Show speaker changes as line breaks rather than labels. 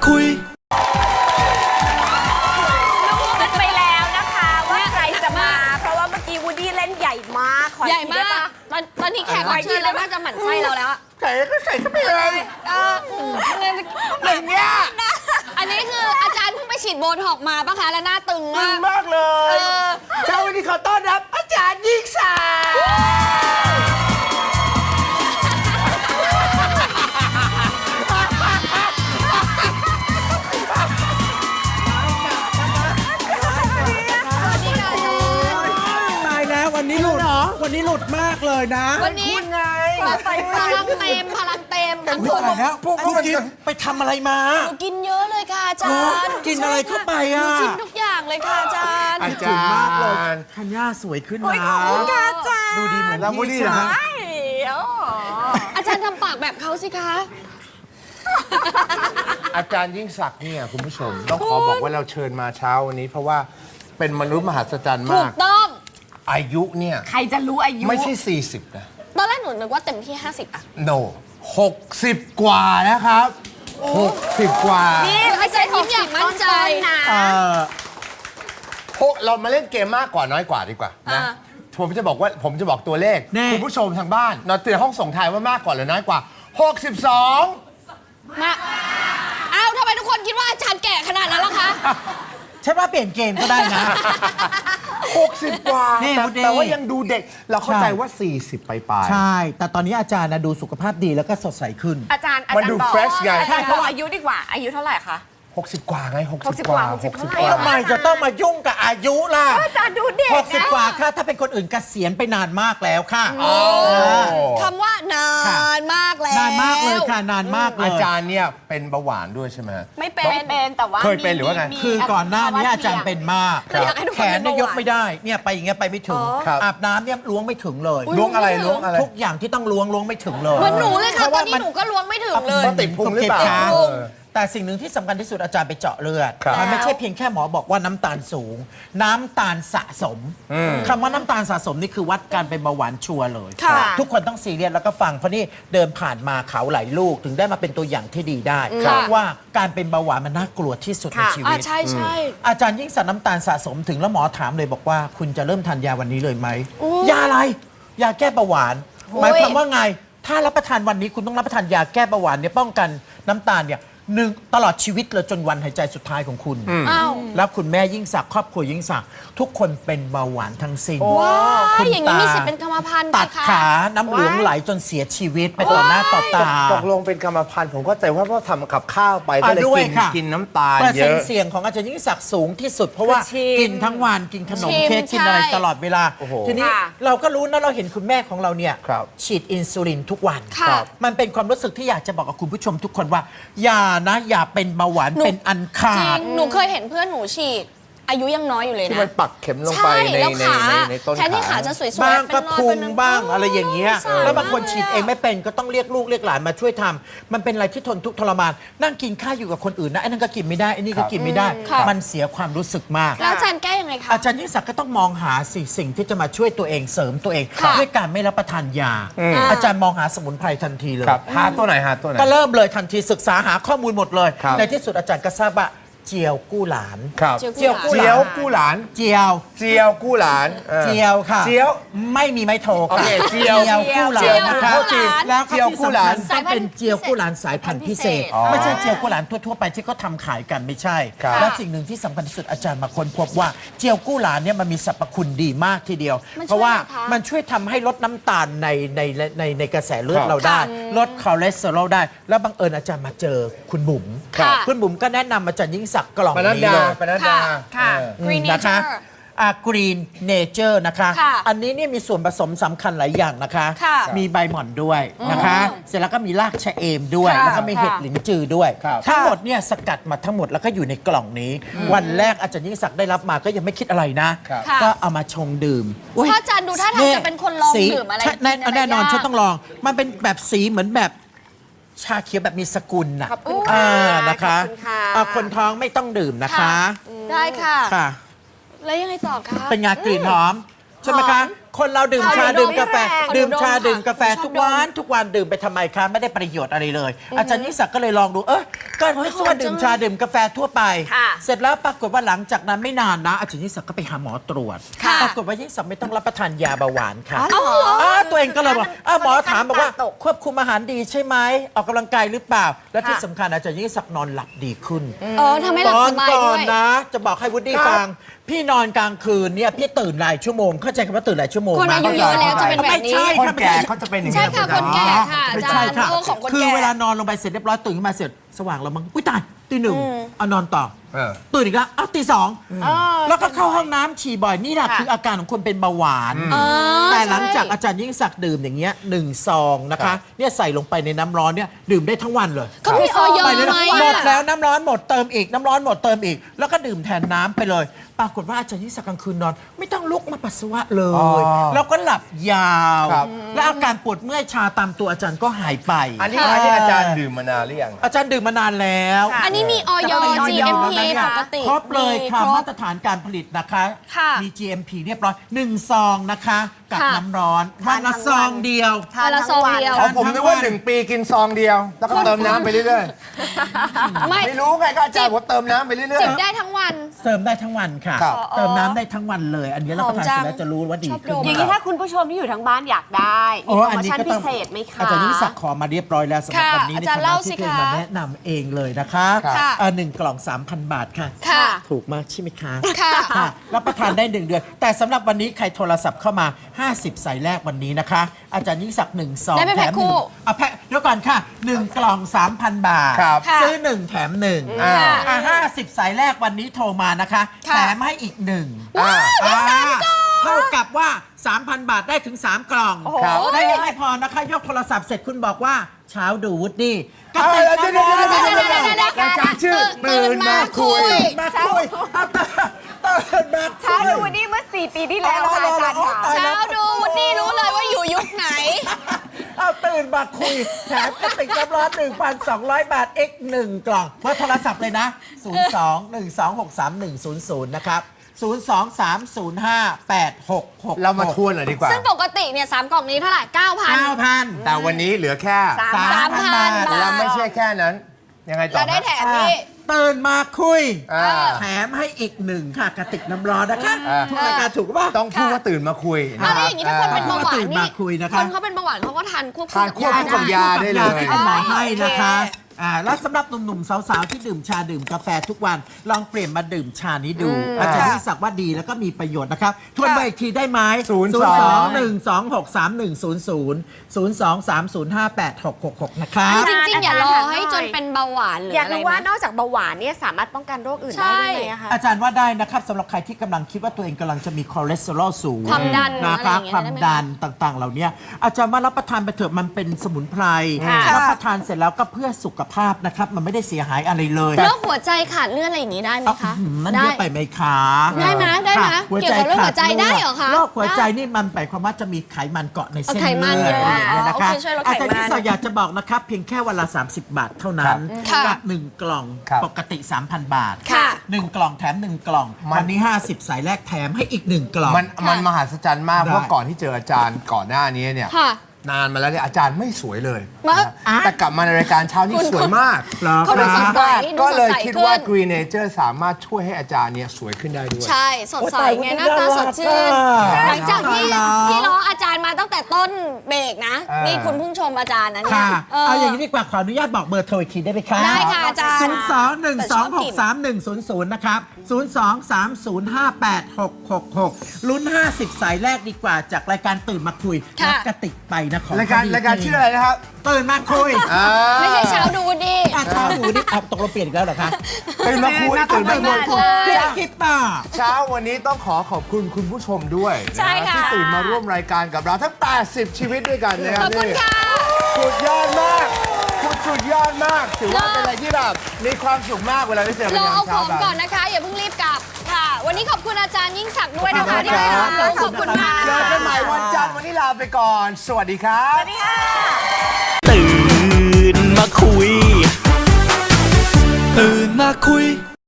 คุย
รู้กันไปแล้วนะคะว่าใครจะมา เพราะว่าเมื่อกี้วูดดี้เล่นใหญ่มากขอ
ใหญ่
อีก
มา
ทีได้
ก
ปะ
ตอนนี้แขกรับเชิญแล้วน่าจะหมั่นไส้เราแล้วอะ
ใส่ก็ใส่เข้าไปเลย
อย่างเงี้ยอันนี้คืออาจารย์เพิ่งไปฉีดโบท็อกซ์มาปะคะแล้วหน้าตึง
ตึ
มาง ก
มากเลยเช้าวันนี้ขอต้อนรับอาจารย์ยิ่งศักดิ์
ตายแล้ววันนี้หลุดวันนี้หลุดมากเลยนะ
วันนี้
คุณไง
พลังเต็มทั้ง
ห
ค
ลุด
น
แล้วพวกกิ๊ฟไปทำอะไรมา
หนูกินเยอะเลยค่ะอาจารย์
กินอะไรเข้าไป
หนู
อ่ะ
ชิมทุกอย่างเลยค่ะอาจารย์
อา
ถึ
จาง
มากเลย
รย์
ธัญญาสวยขึ้น
โอ้ย
นะ
ขอบคุณค่ะอาจารย์
ดูดีเหมือน
แล้ววูดดี้
พี่
เหรอ
ใช่ไหม
ฮะ
โอ้
อาจารย์ทำปากแบบเขาสิคะ
อาจารย์ยิ่งศักดิ์เนี่ยคุณผู้ชมต้องขอบอกว่าเราเชิญมาเช้าวันนี้เพราะว่าเป็นมนุษย์มหัศจรรย์
ถู
มาก ก
ต้อง
อายุเนี่ย
ใครจะรู้อายุ
ไม่ใช่ 40 นะ
ตอนแรกหนูนึกว่าเต็มที่ 50อะ
no 60 กว่านะครับ 60 กว่า
นี่
อาจารย์ยิ้มอย่างมั่นใจ
นะ
เอ่อ
พวกเรามาเล่นเกมมากกว่าน้อยกว่าดีกว่านะ ผมจะบอกตัวเลข คุณผู้ชมทางบ้านนอนเตือนห้องส่งทายว่ามากกว่าหรือน้อยกว่า 62
มาอ้าวทำไมทุกคนคิดว่าอาจารย์แก่ขนาดนั้นล่ะคะ
ฉันว่าเปลี่ยนเกมก็ได้นะ
60 กว่า
นี่
แต่
วูดดี้
แต่ว่ายังดูเด็ก เราเข้าใจ
ใช่
ว่า 40 ไปๆ
ใช่ แต่ตอนนี้อาจารย์นะดูสุขภาพดีแล้วก็สดใสขึ้น
อาจารย์
มันดู
บอก
fresh ไง
อาจารย์บอกอายุดีกว่า อายุเท่าไหร่คะ
60 กว่าไง 60
60
กว่า
60
60
เท่าไหร่
กว่า
ทำไมจะต้องมายุ่งกับอายุล่ะ
อาจารย์ดูเด็ก
60 กว่าค่ะถ้าเป็นคนอื่นเกษียณไปนานมากแล้วค่ะ
คำว่านานมากแล้ว
นานมากเลยค่ะนานมากเลย
อาจารย์เนี่ยเป็นเบาหวานด้วยใช่ไหม
ไม่เป็นแต่ว่า
เคยเป็นหรือว่าไง
คือก่อนหน้านี้อาจารย์เป็นมาก
ครับอยากให้ทุกคน
แขนเนี่ย
เป็นเบาหวาน
ยกไม่ได้เนี่ยไปอย่างเงี้ยไปไม่ถึง
ครับ
อาบน้ำเนี่ยล้วงไม่ถึงเลย
ล้วงอะไรล้วงอะไร
ทุกอย่างที่ต้องล้วงไม่ถึงเลย
เหมือนหนูเลยค่ะ
พรา
ตอนนี้หนูก็ล้วงไม่ถึงเลย
เพราะติดพุงหรือเปล่า
ก็บขา
เออ
แต่สิ่งหนึ่งที่สำคัญที่สุดอาจารย์ไปเจาะเลือด
ครับ
มันไม่ใช่เพียงแค่หมอบอกว่าน้ำตาลสูง น้ำตาลสะสมคำว่าน้ำตาลสะสมนี่คือวัดการเป็นเบาหวานชัวร์เลย
ค่ะ
ทุกคนต้องซีเรียสแล้วก็ฟังเพราะนี่เดินผ่านมาเขาหลายลูกถึงได้มาเป็นตัวอย่างที่ดีได้
ค่ะ
ว่าการเป็นเบาหวานมันน่ากลัวที่สุดในชีวิต
ใช่ใช่
อาจารย์ยิ่งศักดิ์น้ำตาลสะสมถึงแล้วหมอถามเลยบอกว่าคุณจะเริ่มทานยาวันนี้เลยไหม
อุ๊ย
ยาอะไร ยาแก้เบาหวาน
โอ้ย
หมายความว่าไง ถ้ารับประทานวันนี้คุณต้องรับประทานยาแก้เบาหวานเนี่ยป้องกันน้ำตาลเนี่ยตลอดชีวิตเลยจนวันหายใจสุดท้ายของคุณ
อ้าว
แล้วคุณแม่ยิ่งศักดิ์ครอบครัวยิ่งศักดิ์ทุกคนเป็นเบาหวานทั้งสิ้น
ว้า
คุ
ย
ณ
อย่างนี้
ตา
มีสิทธิ์เป็นกรรมพันธุ์ไหม
ตัด
คะ
ขาน้ำเหลืองไหลจนเสียชีวิตไปต่อหน้าต่อตา
ตกลงเป็นกรรมพันธุ์ผมก็แต่ว่าเพราะทำกับข้าวไปก็เลย
ด้วย
กิน
ค่ะ
กินน้ำตาล
เปอร์
เย
เซ็น
อะ
ต์เสี่ยงของอาจารย์ยิ่งศักดิ์สูงที่สุด เพราะว่า
ชิม
กินทั้งวันกินขนมเค้กกินอะไร
ใช่
ตลอดเวลา
โอ้โห
ทีนี้
ค่ะ
เราก็รู้นะเราเห็นคุณแม่ของเราเนี่ย
ครับ
ฉีดอินซูลินทุกวัน
ค่ะ
มันเป็นความรู้สึกที่อยากจะบอกกับคุณผู้ชมทุกคนว่า อย่าเป็นเบาหวาน
หนู
เป็นอันขา
จริ
ด
ง หนูเคยเห็นเพื่อนหนูฉีด อายุยังน้อยอยู่เลย
ที่
นะ
มันปักเข็มลงไป
ใช่
ใน
แล้ว
ใน
ขา
ในต้น
แทนที่ขา
ขา
จะสวยๆ
บ้างก็
เป็นรอย
พุ
เป็
ง
น
บ้างอะไรอย่างเงี้ย
สาร
แล้วบางคน
มก
ฉีด
ลยะ
เองไม่เป็นก็ต้องเรียกลูกเรียกหลานมาช่วยทำมันเป็นอะไรที่ทนทุกข์ทรมาน นั่งกินข้าวอยู่กับคนอื่นนะไอ้นั่นก็กินไม่ได้ไอ้นี่ก็กินไม่ได้
ค่ะ
มันเสียความรู้สึกมาก
แล้วอาจารย์แก้ยังไงคะ
อาจารย์ยิ่งศักดิ์ก็ต้องมองหาสิ่งที่จะมาช่วยตัวเองเสริมตัวเอง
ค่ะ
ด้วยการไม่รับประทานยา อาจารย์มองหาสมุนไพรทันทีเลย
ครับหาตัวไหนหาตัวไหน
ก็เริ่มเลยทันทีศึกษาหาข้อมูลหมดเลย
ครับ
ในที่สุดอาจารย์ก็ทราบว่าเจียวกู้หลาน
ครับ
เจี
เจี
ย
ยว ว
กู้
เจียวกู้หลาน
เจียว
เจียวกู้หลานออ
เจียวค่ะ
เจียว
ไม่มีไม้โท
โอ
ค่ะ
เคเจียว
กู้หลา
เจีย
น
ว
นะคะ
เข้าใจ
แล้ว
เจียวกู้หลาน
ต้องเป็นเจียวกู้หลานสายพันธุ์พิเศษ
อ๋อ
ไม่ใช่เจียวกู้หลานทั่วๆไปที่เขาทำขายกันไม่ใช่
ครับ
และสิ่งหนึ่งที่สำคัญที่สุดอาจารย์มาค้นพบว่าเจียวกู้หลานเนี่ยมันมีสรรพคุณดีมากทีเดียว
มันช่วย
เพราะว่า
อะไรคะ
มันช่วยทำให้ลดน้ำตาลในกระแสเลือด
ครับ
เราได้ ลดคอเลสเตอรอลได้ แล้วบังเอิญอาจารย์มาเจอคุณบุ๋ม
ค่ะ
คุณบุ๋มก็แนะนำอาจารย์ยิ่งศักดิ์กล่อง
ปนัด
นี้
ดา
เลย
ปนัดดา
ค่ะ Green
นะคะ
Nature
Green Nature นะคะ
ค่ะ
อันนี้เนี่ยมีส่วนผสมสำคัญหลายอย่างนะคะ
ค่ะ
มีใบหม่อนด้วยนะคะ เสร็จแล้วก็มีรากชะเอมด้วย
ค่ะ
แล้วก็มีเห็ดหลินจือด้วย
ครับ
ทั้งหมดเนี่ยสกัดมาทั้งหมดแล้วก็อยู่ในกล่องนี้ วันแรกอาจารย์ยิ่งศักดิ์ได้รับมาก็ยังไม่คิดอะไรนะ
ครับ
ค่ะ
ก็เอามาชงดื่มอุ๊ย
เพราะอาจารย์ดูท่าทางจะเป็นคนลอง
สี
ดื่มอะไร
ใช่
กินอะไร
แน่นอน
ยาก
ฉันต้องลอง มันเป็นแบบสีเหมือนแบบชาเขียวแบบมีสกุลน่ะ
ขอบคุณค่ะ
นะคะ
ขอบคุณค่ะ
คนท้องไม่ต้องดื่มนะคะ
ได้ค่ะ
ค่ะ
แล้วยังไงต่อคะ
เป็นงากลิ่นหอม ใช่ไหมคะคนเราดื่มชา
เขา
ดื่มกาแฟ
เขา
ดื่ม
ดม
ชา
ค่ะ
ดื่มกาแฟ
เขาชอบ
ทุกวันดื่มไปทำไมคะไม่ได้ประโยชน์อะไรเลย อาจารย์ยิ่งศักดิ์ก็เลยลองดูก็ไม่ว่าดื่มชาดื่มกาแฟทั่วไป
ค่ะ
เสร็จแล้วปรากฏว่าหลังจากนั้นไม่นานนะอาจารย์ยิ่งศักดิ์ก็ไปหาหมอตรวจ
ค่ะ
ปรากฏว่ายิ่งศักดิ์ไม่ต้องรับประทานยาเบาหวานค่ะ
อ๋อเหรอ
ตัวเองก็เลยบอกหมอถามบอกว่า
ตก
ควบคุมอาหารดีใช่ไหมออกกำลังกายหรือเปล่า และที่สำคัญอาจารย์ยิ่งศักดิ์นอนหลับดีขึ้น
ทำให้หลับสบาย
ก่
ด้
อ
วน ย
นะ จะบอกให้วุฒิฟัง พี่นอนกลางคืนเนี่ยพี่ตื่นหลายชั่วโมงเข้าใจคำว่าตื่นหลายชั่วโมง
คน
ไหม
อายุเยอะแล้วจะเป็นแบบนี้
ไม่ใช่
คนแก่เขาจะเป็นอย่าง
ใช่
นี้
ค่ะคนแก่ค่ะอา
ไม่
จา
ใช่
รย์
ค่ะ
โรคของคน
คือ
แก่
เวลานอนลงไปเสร็จเรียบร้อยตื่นขึ้นมาเสร็จสว่างแล้วมั้งอุ้ยตายตีหนึ่งเอานอนต่อ ตื่นอีกแล้วตีสองแล้วก็เข้าห้องน้ำฉี่บ่อยนี่แหละคืออาการของคนเป็นเบาหวาน แต่หลังจากอาจารย์ยิ่งศักดิ์ดื่มอย่างเงี้ย1 ซองนะคะเนี่ยใส่ลงไปในน้ำร้อนเนี่ยดื่มได้ทั้งวันเลย
ก็มีออย
ไปเลย
ไหม
นะหมดแล้วน้ำร้อนหมดเติมอีกน้ำร้อนหมดเติมอีก แล้วก็ดื่มแทนน้ำไปเลย ปรากฏว่าอาจารย์ยิ่งศักดิ์กลางคืนนอน ไม่ต้องลุกมาปัสสาวะเลย แล้วก็หลับยาว
ครับ
และอาการปวดเมื่อยชาตามตัวอาจารย์ก็หายไป
อันนี้อาจารย์ดื่มมานานหรือยัง
อาจารย์ดื่มมานานแล้ว
อันนี้มีออย GMP ปกติ
ครบเลยค่ะ
ครบ
มาตรฐานการผลิตนะคะ
ค่ะ
มี GMP เรียบร้อย1 ซองนะคะ กับ
ค่ะ
น้ำร้อนวันละซองเดียว
วันละซองเดียว
ของผมนึกว่า1 ปีกินซองเดียว แล้วก็เติมน้ำไปเรื่อย
ไม่
ๆ ไม่รู้ไงก็อาจารย์บอกเติมน้ำไปเรื่อย
จิบได้ทั้งวัน
เติมได้ทั้งวันค่ะ
ครับ
เติมน้ำได้ทั้งวันเลย อันนี้รับประทานเสร็จแล้วจะรู้ว่าดีขึ้น
ชอบดม
อย่างนี้ถ้าคุณผู้ชมที่อยู่ทางบ้านอยากได้มี
โอ้
โปร
อัน
โม
นี้
ชั่น
ก็
พิ
ต้อง
เศษไหมคะ
อาจารย์ยิ่งศักดิ์ขอมาเรียบร้อยแล้วสำหรับ
ค่ะ
วันนี้ใน
อาจารย์
ฐา
เล่า
นะ
สิ
ที่เคย
คะ
มาแนะนำเองเลยนะคะ
ค่ะ
1 กล่อง 3,000 บาทค่ะ
ค่ะ
ถูกมากใช่ไหมคะ
ค่ะ
รับประทานได้ 1 เดือน แต่สำหรับวันนี้ใครโทรศัพท์เข้ามา 50 สายแรกวันนี้นะคะ อาจารย์ยิ่งศักดิ์1 ซอง
ได้ไปแพ็ค
แถม
คู่
1เอาแพ็คเดี๋ยวก่อนค่ะ 1 กล่อง 3,000 บาท
ครับ
ซื้อ 1 แถม 1 50 สายแรกวันนี้โทรมานะคะ
ค่ะ
แถมให้อีก 1
ว้าวได้สามกล่อง
เท่ากับว่า 3,000 บาทได้ถึง 3 กล่อง
ครับ
ได้ยังไม่พอนะคะ ยกโทรศัพท์เสร็จคุณบอกว่าเช้าดูวุฒิก็
เดี๋
ติด
ยว
นะ
รายการชื่อตื่นมาคุย
มาคุยตื่นมาคุย
เช้าดูวันนี้เมื่อ 4 ปีที่แล้วค่ะอาจารย์ค่ะ
ตายแล้
เช้าว ดูวุฒิรู้เลยว่าอยู่ยุคไหน
เอาตื่นมาคุยแถมกระติกน้ำร้อน 1,200 บาท x 1 กล่องเพราะโทรศัพท์เลยนะ 02-126-3100 นะครับ 023058666
เรามาทวนหน่อยดีกว่า
ซึ่งปกติเนี่ย3 กล่องนี้เท่าไหร่ 9,000
9,000
แต่วันนี้เหลือแค่
3,000 บาท
แล้วไม่ใช่แค่นั้น ยังไงต่อ
เราได้แถมนี่
ตื่นมาคุย
แถ
แถมให้อีก 1 ค่ะกระติกน้ำร้อนนะคะ
อ่า
ทุกรายการถูกป่ะ
ต้องพูดว่าตื่นมาคุย
แล้วถ้าอย่างนี้ถ้าคนเป็นเบาหวาน
ตื่น
นี่
มาคุยนะคะ
คนเขาเป็นเบาหวานเขาก็ทานควบ
ทานควบคู่กับยาได้เลย
ที่คุณหมอให้นะคะ
โอเค
แล้วสำหรับหนุ่มๆ สาวๆ ที่ดื่มชาดื่มกาแฟทุกวัน ลองเปลี่ยนมาดื่มชานี้ดู อาจารย์ยิ่งศักดิ์ว่าดีแล้วก็มีประโยชน์นะครับ ทวนไปอีกทีได้ไหม 02-126-3100 นะครับ
จริงๆ อย่ารอให้จนเป็นเบาหวานหรือ
อยาก
อะไร
รู้ว่า
นะ
นอกจากเบาหวานเนี่ยสามารถป้องกันโรคอื่น
ใช่
ได้ด้วยไหมอะคะ
อาจารย์ว่าได้นะครับสำหรับใครที่กำลังคิดว่าตัวเองกำลังจะมีคอเลสเตอรอลสูง
ความดัน
นะครับ
อะไรอย่างเงี้ย
ความ
ได้ไหม
ดันต่างๆ เหล่านี้อาจารย์ว่ารับประทานไปเถอะมันเป็นสมุนไพร
ค่ะ
รับประทานเสร็จแล้วก็เพื่อสุขภาพนะครับมันไม่ได้เสียหายอะไรเลย
โรคหัวใจขาดเลือดอะไรอย่างนี้ได้ไหมคะ
นั่นเยอะไปไหมคะ
ได้ไหมได้ไหม
ค่ะ
เกี่ยวกับโรคหัวใจได้เหรอคะ
โรคหัวใจนี่มันหมายความว่าจะมีไขมันเกาะในเส้น
ไขมัน
เลือด
เยอะ
อะไรอย่างเงี้ยนะคะ
โอเคช่วยลดไขมัน
อาจารย์ที่สอยากจะบอกนะครับเพียงแค่วันละ30 บาทเท่านั้น
ค่ะ
กับ1 กล่อง
ครับ
ปกติ 3,000 บาท
ค่ะ
1 กล่องแถม 1 กล่อง วันนี้ 50 สายแรกแถมให้อีก 1 กล่อง
มันมหัศจรรย์มาก
ได้
เพราะก่อนที่เจออาจารย์ก่อนหน้านี้เนี่ย
ค่ะ
นานมาแล้วเนี่ยอาจารย์ไม่สวยเลย
มา
นะแต่กลับมาในรายการเช้านี่สวยมาก
เหรอ
เขาดูสดใส
ก็เลย
ดูสดใส
คิดว่า
ขึ้น
Green Nature สามารถช่วยให้อาจารย์เนี่ยสวยขึ้นได้ด้วย
ใช่สดใสไงหน้าตาสดชื่น หลังจากที่ล้ออาจารย์มาตั้งแต่ต้นเบรกนะ นี่คุณเพิ่งชมอาจารย์นะเนี่ย
ค่ะ เอาอย่างนี้ดีกว่าขออนุญาตบอกเบอร์โทรอีกทีได้ไหมคะ
ได้ค่ะอาจารย์
02-126-3100 นะครับ 023058666 ลุ้น 50 สายแรกดีกว่าจากรายการตื่นมาคุย
ค่ะ
รับกระติกไปนะของ
รายการชื่ออะไรนะครับ
ตื่นมาคุย
ไม่ใช่เช้าดูดี
เช้าหูนี่ตกลงเปลี่ยนอีกแล้วเหรอคะ
ตื่นมาคุยตื่นมาคุย
คิดต่อ
เช้าวันนี้ต้องขอบคุณคุณผู้ชมด้วย
ใช่
นะ
ค่ะ
ที่ตื่นมาร่วมรายการกับเราทั้ง 80 ชีวิตด้วยกันนะค
ข
รั
อบคุณค่ะ
สุดยอดมากสุดยอดมาก ถือว่าเป็นอะไรที่แบบมีความสุขมากเวลาได้เจอกัน
เรา
ยาม
เอาข
เช้า
อง
แบบ
ก่อนนะคะ อย่าเพิ่งรีบกลับค่ะ วันนี้ขอบคุณอาจารย์ยิ่งศักดิ์ด้วยนะคะ
ขอบคุณ
ที่
ครั
มา
บ
ขอบคุณค่ะ
เจอกันใหม่วันจันทร์วันนี้ลาไปก่อน สวัสดีครับ
ตื่นมาคุย ตื่นมาคุย